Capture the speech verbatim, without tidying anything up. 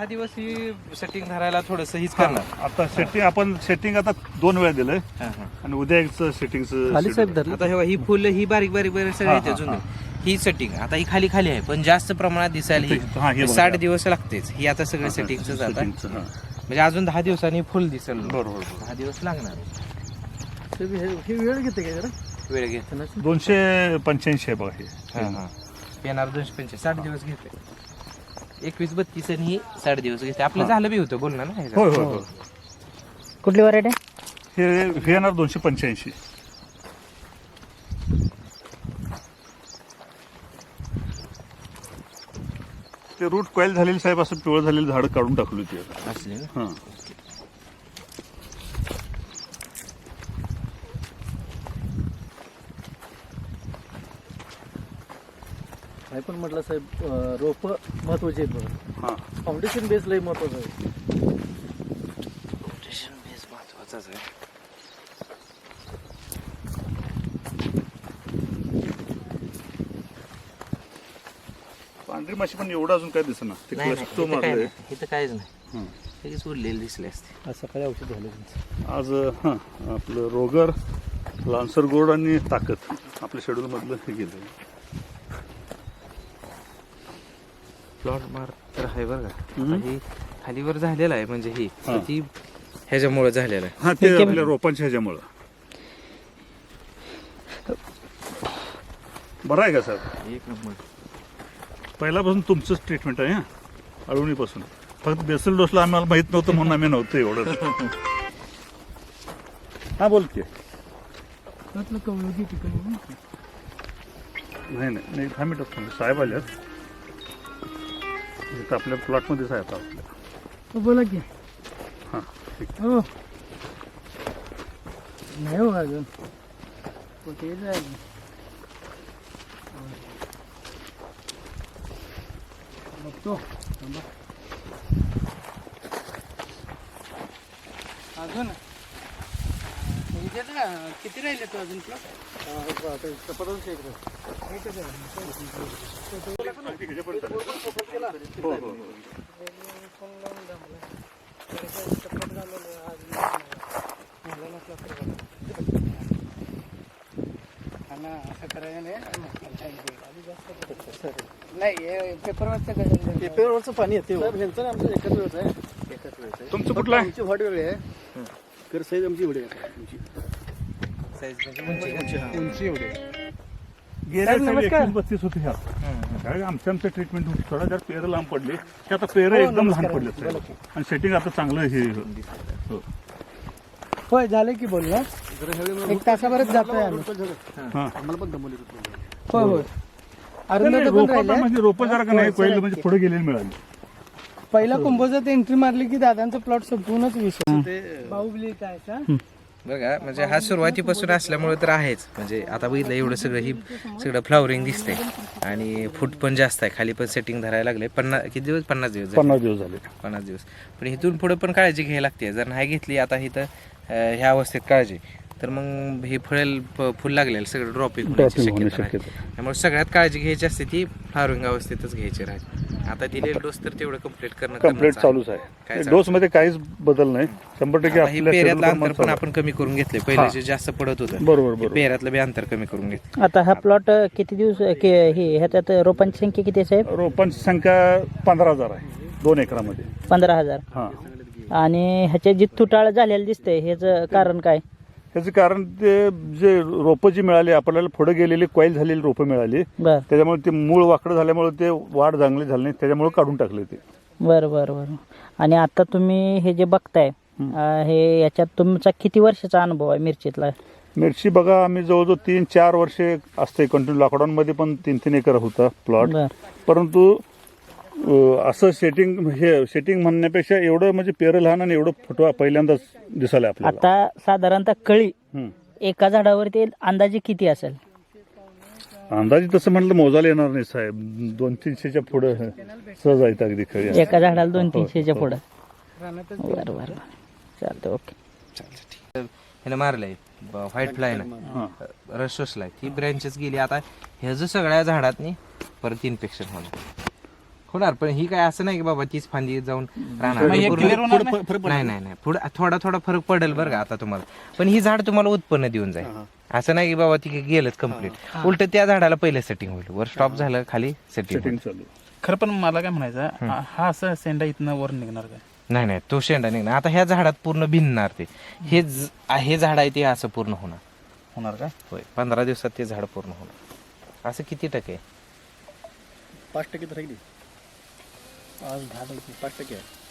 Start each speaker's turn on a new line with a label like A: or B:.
A: दहा दिवस ही सेटिंग धरायला थोडस हीच करणार.
B: आता सेटिंग आपण सेटिंग आता दोन वेळा दिलंय
A: हा, हा.
B: आणि उद्या एक सेटिंगचं
C: खाली साहेब धरलं.
A: आता हे ही फुलं ही बारीक बारीक बारीक सगळे
B: हा,
A: येते
B: हा,
A: जुने. ही सेटिंग आता ही खाली खाली आहे पण जास्त प्रमाणात दिसायला
B: हा, हे
A: ही
B: बघा.
A: साठ दिवस लागतेच. ही आता सगळं सेटिंगच जात आहे
B: सेटिंगचं, हा.
A: म्हणजे अजून दहा दिवसांनी फुल दिसेल.
B: बरोबर.
A: दहा दिवस लागणार.
C: साहेब, हे हे वेळ घेते काय जरा
A: वेळ घेत.
B: दोनशे पंच्याऐंशी आहे बघा हे.
A: हा हा येणार दोनशे पंचे साठ दिवस घेते. एकवीस बत्तीस आणि ही साठ दिवस घेते. आपलं झालं बी होतं बोलणार ना.
B: होय होय होय.
C: कुठली व्हरायटी
B: हे हे येणार दोनशे पंच्याऐंशी. ते रूट कॉईल झालेली साहेब असं पिवळ झालेली झाड काढून टाकली होती
A: असली ना.
B: हा.
C: काय पण म्हटलं साहेब रोप महत्वाची आहेत बघा.
B: हा.
C: फाउंडेशन बेस लई महत्वाचं आहे.
A: रोटेशन बेस महत्वाचाच आहे.
B: पांढरी माशी पण एवढं अजून काय दिसना. ते
A: नाही
B: क्लस्टर
A: नाही, इथं काय
B: मारलंय.
A: नाही. इथं काहीच नाही.
B: हं.
A: लगेच उरलेले दिसले असते.
C: आज सकाळी औषध झालं त्यांचं.
B: आज हां आपलं रोगर लान्सर गोड आणि ताकद आपल्या शेड्यूल मधलं हे गेलं.
A: प्लॉट मार तर आहे बरं का.
B: हम्म.
A: आता ही खालीवर झालेला आहे म्हणजे ही
B: हा.
A: ती ह्याच्यामुळे झालेला आहे.
B: हा ते आपल्या रोपांच्या ह्याच्यामुळं बरं आहे का सर?
A: एक नंबर.
B: पहिल्यापासून तुमचंच ट्रीटमेंट आहे. हा अळवणीपासून फक्त बेसल डोसला आम्हाला माहित नव्हतं म्हणून आम्ही नव्हतं एवढं. हा बोल की.
C: त्यातलं कवळगी ठिकाणी
B: नाही नाही नाही दहा मिनिटात थांबले. साहेब आल्यात इथं आपल्या प्लॉटमध्येच आहे आता आपल्या.
C: बोला की.
B: हां ठीक.
C: हो नाही हो अजून कुठे जायचं. बघतो थांबा. अजून किती राहिले तू अजून प्लॉट?
B: हो हो हो.
C: असं करायचं नाही पेपरवरचं पेपरवरचं पाणी येते. ह्यांचं आमचं एकच वेळच आहे. एकच वेळच आहे.
B: तुमचं कुठलं आहे?
C: आमची वाट वेगळी आहे. तर साईज आमची एवढी आहे. आमची
A: साईज म्हणजे उंची का?
C: उंची एवढी आहे.
B: गेल्या
C: साहेब,
B: साली
C: नमस्कार.
B: एकवीस बत्तीस होते ह्या.
A: हम्म.
B: काय आमच्या आमच्या ट्रीटमेंट होती. थोडा जर पेरं लांब पडले की आता पेरं
C: हो,
B: एकदम लहान
C: नमस्कार.
B: पडले
C: बोला
B: साहेब. आणि सेटिंग आता चांगलं हे हो.
C: होय झालं की बोल ना. एक तासाभरात जातोय आम्ही.
B: हां
C: आम्हाला पण दमवली होय होय. अरुंद पण
B: रोपं
C: राहिले.
B: म्हणजे रोपं जरा का नाही कोईल म्हणजे पुढे गेलेली मिळाली.
C: पहिला कुंभोजात एंट्री मारली की दादांचा प्लॉट संपूर्णच विषय. बाहुबली काय का?
A: बरं का म्हणजे हा सुरुवातीपासून असल्यामुळे तर आहेच. म्हणजे आता बघितलं एवढं सगळं ही सगळं फ्लावरिंग दिसतंय आणि फूट पण जास्त आहे. खाली पण सेटिंग धरायला लागले. पन्नास किती दिवस पन्नास दिवस झाले.
B: पन्नास दिवस झाले.
A: पन्नास दिवस पण इथून पुढे पण काळजी घ्यायला लागते. जर नाही घेतली आता इथं अं, ह्या अवस्थेत काळजी तर मग हे फळेल फ- फुल लागलेलं सगळं ड्रॉपिंग होण्याची
B: Dropping होण्याची
A: शक्यता आहे.
B: शक्यता.
A: त्यामुळे सगळ्यात काळजी घ्यायची असते ती फ्लावरिंग अवस्थेतच घ्यायची राहते. आता दिलेलं डोस तर तेवढं कम्प्लीट करणं
B: कम्प्लीट
A: गरजेचं
B: चालूच
A: काय
B: आहे.
A: चालू?
B: डोस मध्ये काहीच बदल नाही. शंभर टक्के
A: आता हे
B: आपल्या
A: पेऱ्यातलं
B: schedule
A: अंतर
B: प्रमाणे
A: पण
B: चालू
A: आपण कमी करून घेतले. पहिले जे जास्त पडत होतं
B: बरोबर
A: ते
B: बरोबर.
A: पेऱ्यातलं बी अंतर कमी करून घेतलं.
D: आता हा प्लॉट किती दिवस के- हे ह्याच्यात रोपांची संख्या किती आहे साहेब?
B: रोपांची संख्या पंधरा हजार आहे दोन एकरामध्ये.
D: पंधरा हजार.
B: हा
D: आणि ह्याच्या जी तुटाळ झालेलं दिसतंय ह्याचं कारण काय?
B: ह्याचं कारण ते जे रोपं जी मिळाली आपल्याला पुढे गेलेली कॉईल झालेली रोपं मिळाली
D: बर
B: त्याच्यामुळे ते मूळ वाकडं झाल्यामुळे ते वाढ चांगली झाली नाही त्याच्यामुळे काढून टाकले ते.
D: बर बर बर. आणि आता तुम्ही हे जे बघताय अं, हे याच्यात तुमचा किती वर्षाचा अनुभव आहे मिरचीतला?
B: मिरची बघा आम्ही जवळजवळ तीन चार वर्षे असते कंटिन्यू. लॉकडाऊनमध्ये पण तीन तीन एकर होता प्लॉट.
D: बर
B: परंतु अं, असं सेटिंग हे सेटिंग म्हणण्यापेक्षा एवढं म्हणजे पेरं लहान आणि एवढं फुटवा पहिल्यांदाच दिसायला आपल्याला.
D: आता साधारणतः कळी
B: हं.
D: एका झाडावरती अंदाजे किती असेल?
B: अंदाजे तसं म्हटलं मोजायला येणार नाही साहेब. दोन तीनशेच्या पुढे सहज आहेत अगदी खरी.
D: एका झाडाला दोन
B: हो,
D: तीनशेच्या
B: हो.
D: पुढं. बर बर बर चालतं ओके.
A: ह्याला मारलंय व्हाईट फ्लाय ना
B: हां.
A: रस शोषलाय. ती ब्रँचेस गेली. आता ह्याचं सगळ्या झाडातनी परत इन्फेक्शन होणार. होणार, पण ही काय असं नाही की बाबा तीच फांदी जाऊन राहणार
C: मग हे
A: पूर्ण-
C: clear होणार
B: पुढं फ- फरक
A: नाही नाही नाही पुढे थोडा थोडा फरक पडेल बरं का आता तुम्हाला, पण ही झाड तुम्हाला उत्पन्न देऊन जाईल. असं नाही की बाबा ती गेलंच कम्प्लीट, उलट त्या झाडाला पहिलं सेटिंग होईल, वर स्टॉप झालं खाली सेटिंग
B: सेटिंग चालू.
C: खरं पण मला काय म्हणायचं हा असं सेंडा इथनं वर निघणार काय?
A: नाही नाही तो शेंडा निघणार. आता ह्या झाडात पूर्ण भिनणार ते, हे ज- हे झाड आहे ते असं पूर्ण होणार.
C: होणार काय?
A: होय, पंधरा दिवसात ते झाड पूर्ण होणार. असं किती टक्के?
C: पाच टक्के तर राहिली आज दहा टक्के पाच टक्के आहे.